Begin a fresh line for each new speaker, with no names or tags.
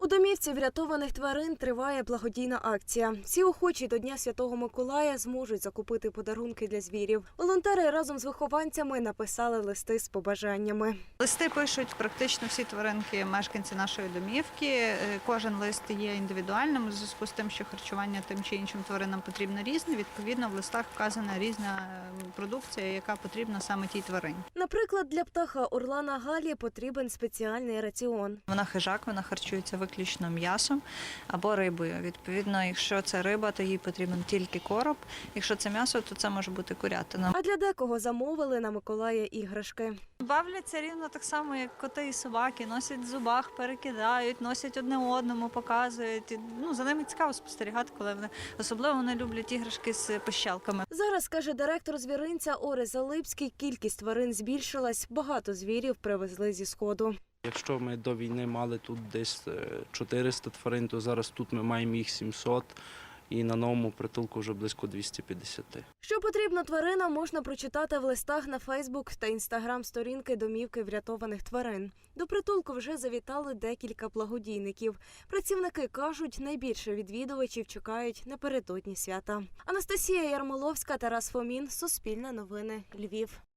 У домівці врятованих тварин триває благодійна акція. Всі охочі до Дня Святого Миколая зможуть закупити подарунки для звірів. Волонтери разом з вихованцями написали листи з побажаннями.
Листи пишуть практично всі тваринки, мешканці нашої домівки. Кожен лист є індивідуальним у зв'язку з тим, що харчування тим чи іншим тваринам потрібно різне. Відповідно, в листах вказана різна продукція, яка потрібна саме тій тварині.
Наприклад, для птаха орлана Галі потрібен спеціальний раціон.
Вона хижак, вона харчується виключно м'ясом або рибою. Відповідно, якщо це риба, то їй потрібен тільки короб. Якщо це м'ясо, то це може бути курятина.
А для декого замовили на Миколая іграшки.
Бавляться рівно так само, як коти і собаки. Носять в зубах, перекидають, носять одне одному, показують. За ними цікаво спостерігати, коли вони особливо вони люблять іграшки з пищалками.
Зараз, каже директор звіринця Орес Залипський, кількість тварин збільшилась, багато звірів привезли зі Сходу.
Якщо ми до війни мали тут десь 400 тварин, то зараз тут ми маємо їх 700 і на новому притулку вже близько 250.
Що потрібно тваринам, можна прочитати в листах на Фейсбук та Інстаграм-сторінки домівки врятованих тварин. До притулку вже завітали декілька благодійників. Працівники кажуть, найбільше відвідувачів чекають напередодні свята. Анастасія Ярмоловська, Тарас Фомін, Суспільне новини, Львів.